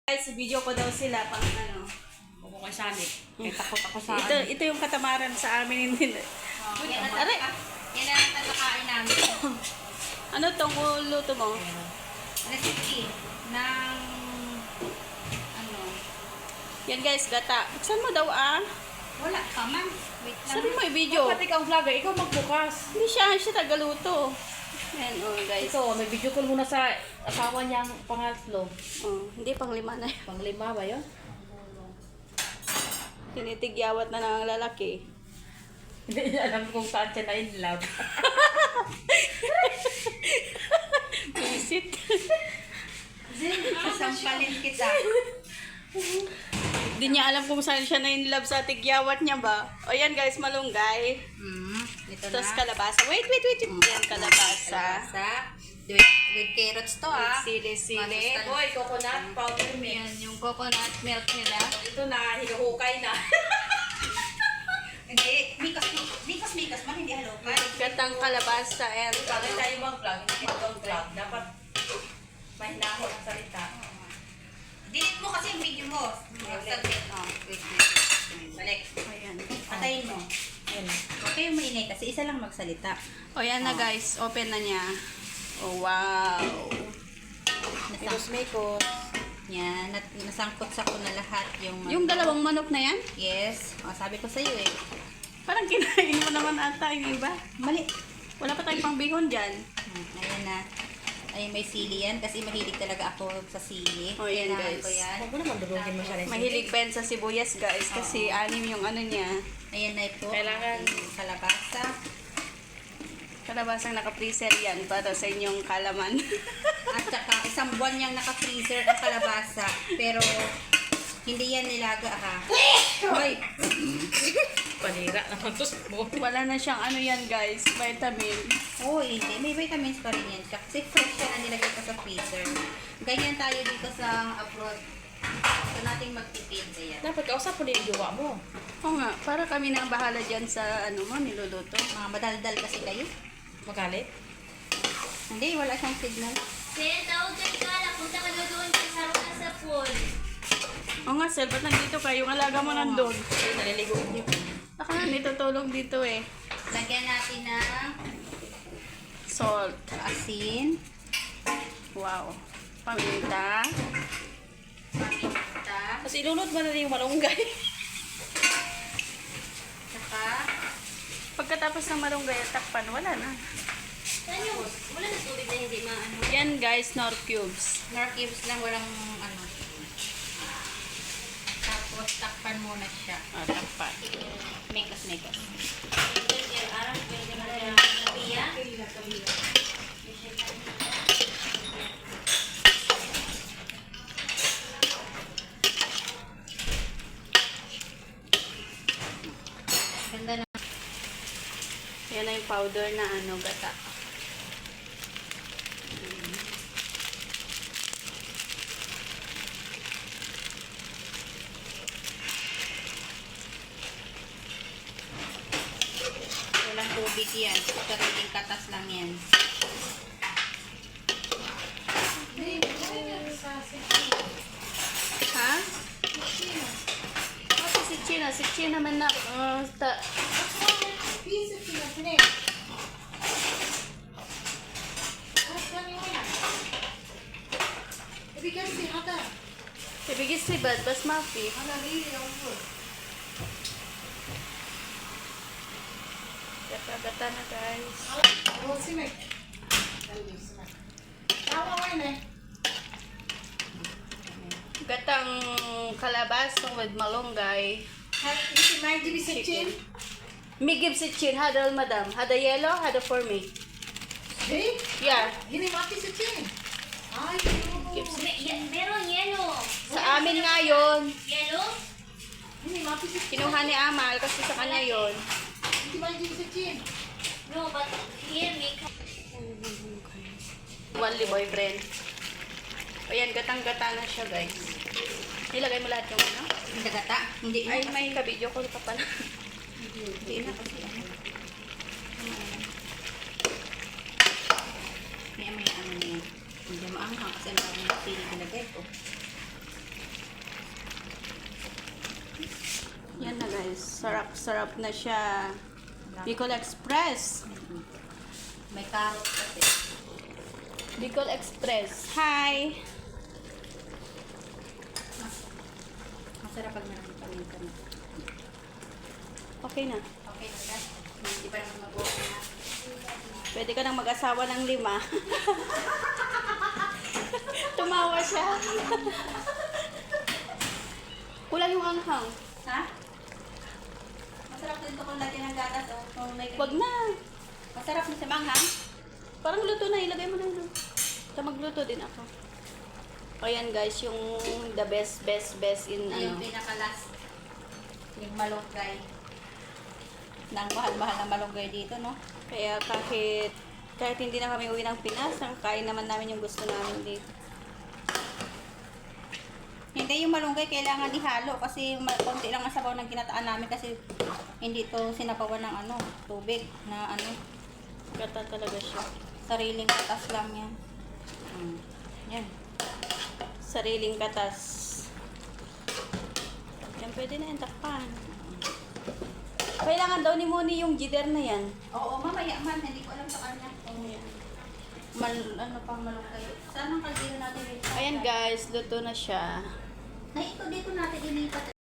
Guys, video ko daw sila pang ano. Huwag ko sanit. Kaya takot ako sa Ito yung katamaran sa amin. Hindi. Aray! Yan ang tatakain namin. Ano tong luto mo? Recipe ng ano. Yan guys, gata. Buksan mo daw Wala pa man. Wait lang. Sabi mo i-video. Dapat ikaw vlogger, ikaw magbukas. Hindi siya tagaluto. Yan guys. Ito, may video call muna sa asawa niyang pangatlo. Hindi, pang-5 na yun. Pang-5 ba yun? Tinitigyawat na ng lalaki. Hindi niya alam kung saan siya na in love. Visit. Sasampalin kita. Hindi niya alam kung saan siya na in love sa tigyawat niya ba. O yan guys, malunggay. Ito Tapos na. kalabasa. Wait. Yan, kalabasa. With carrots to Sili-sili. Hoy, coconut powder milk. Yan, yung coconut milk nila. Ito na, hinuhukay na. Hindi, mikas man, hindi halukay. Gatang kalabasa and Bakit tayo mag-vlog? Hindi mag-vlog. Dapat mahinahon ang salita. Delete mo kasi yung video mo. Wait. Balik. ayan. Patayin mo. Huwag kayong maingay kasi isa lang magsalita. O yan na guys, open na niya. Oh wow. Mikos-mikos. Yan, nasangkot sa ko na lahat yung... Yung dalawang manok na yan, Yes. O, sabi ko sa'yo eh. parang kinain mo naman ata yung iba. Mali. Wala pa tayong pangbihon dyan. Ayan na. Ay, may sili yan kasi mahilig talaga ako sa sili. O yan Kailangan guys. ko yan. Huwag mo naman durugin mo siya rin. Mahilig pa yan sa sibuyas guys kasi anim yung ano niya. Ayan na ito. Kailangan- Yung kalabasa. Kalabasang naka-freezer yan para sa inyong kalaman. At saka isang buwan niyang naka-freezer ang kalabasa. Pero hindi yan nilaga ha. Hoy, Panira naman to. wala na siyang ano yan guys, vitamin. Oo, hindi. May vitamins pa rin yan siya. Kasi fresh siya na nilagay ko sa freezer. Ganyan tayo dito sa abroad. Gusto nating magtipid. Ayan. Dapat kausap mo din yung jowa mo. Oo nga, para kami na ang bahala dyan sa ano mo, niluluto. Mga madaldal kasi kayo. Magalit? Hindi, wala siyang signal. Sen, tawag ka na. Punta ka na doon sa sarap sa pool. Oo nga sir, ba't nandito ka? Yung alaga mo nandun. Naliligo niyo. Ako na nitutulog dito eh. Lagyan natin ng Salt. asin, Wow. Paminta. paminta, Tapos ilunod mo na rin yung malunggay. saka Pagkatapos ng marunggay at takpan, wala na. Saan yung? Wala na tubig na hindi maano. Yan guys, nor cubes. nor cubes lang, walang ano. Tapos takpan muna siya. Takpan. Mekas. Arang pwede na rin. Kapia? Ganda na. Yan na yung powder na ano, gata. Walang tubig yan. Sariling katas lang yan. Ha? Si China. Si China man na. Ibigis si Bad, bas mafi. Gata-gata na guys. Gatang kalabasong with malunggay. Chicken. Me give si chin. Hada madam. Hada yellow, hada for me. Yeah. Meron yelo. Sa amin nga yun. Yelo? Kinuha ni Amal kasi sa kanya yun. No, but here we can. Only boyfriend. Ayan, gatang-gata na siya guys. Nilagay mo lahat yung ano? Hindi gata. Hindi Ay, may ka-video call ka pala. Hindi na kasi ano. May ano na yan. Hindi maanghang kasi ang dami ng sili nilagay ko. guys. Sarap na siya. Bicol Express. May carrot kasi. Bicol Express. Hi! Masarap pag marami paminta na. Okay na. Okay na ka? Hindi pa naman mag-work na. Pwede ka nang mag-asawa ng 5. Tumawa siya. Kulang yung anghang. Ha? Masarap din ito kung lagyan ng gatas. Oh. Kung may Wag na. Masarap na sa manghang. Parang luto na. Ilagay mo na yun. Ito magluto din ako. Ayan guys, yung the best in Ito yung ano. pinaka-last. Yung malunggay. Nang mahal-mahal na malunggay dito, no? Kaya kahit hindi na kami uwi ng Pinas, kain naman namin yung gusto namin dito. Hindi, yung malunggay kailangan ihalo kasi konti lang ang sabaw ng ginataan namin kasi hindi to sinapawan ng ano, tubig na ano, Gata talaga siya. sariling katas lang yan. Yan. Sariling katas. Yan, pwede na yan, takpan. Kailangan daw ni Moni yung jider na yan. Oo, mamaya man, hindi ko alam sa kanya. Ano pang malunggay. Saan ang kaldero natin dito? Ayan guys, luto na siya. Na ito dito natin ilipat